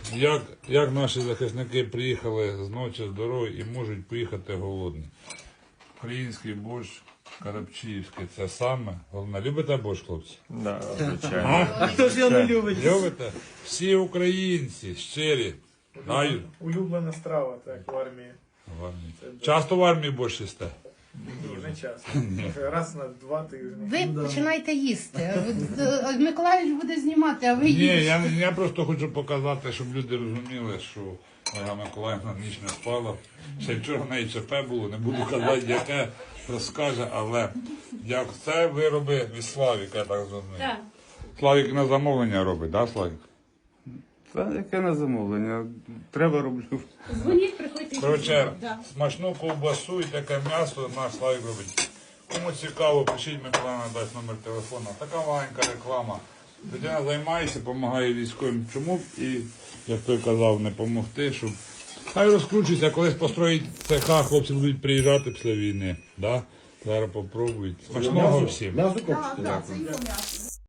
Як наші захисники приїхали з ночі з дороги і можуть поїхати голодні. Український борщ, карапчиївський, це саме. Головне, любите борщ, хлопці? Да, звичайно. А хто ж його не любить? Любите? Всі українці, щирі. Знаю. Улюблена страва, так, в армії. Часто в армії борщ їсте? Ні, не часто. Раз на 2 тижні. Ви починаєте їсти. Миколаївич буде знімати, а ви Ні, їдете. я просто хочу показати, щоб люди розуміли, що Ольга Миколаївна ніч не спала. Ще вчора в неї ЧП було, не буду казати, яке розкаже, але як це вироби від Славіка, я так зрозумів. Так. Славік на замовлення робить, так, Славік? Та яке на замовлення? Треба роблю. Дзвоніть, приходьте. Коротше, Да. смачну ковбасу і таке м'ясо наш Славік робить. Кому цікаво, пишіть, Миколаївна дасть номер телефону. Така маленька реклама. Людина займається, допомагає військовим. Чому б і, як той казав, не допомогти, щоб хай розкручується, колись построїть цеха, хлопці будуть приїжджати після війни. Да? Зараз попробують. Смачного всім. М'ясо копчите? Так, це його м'ясо.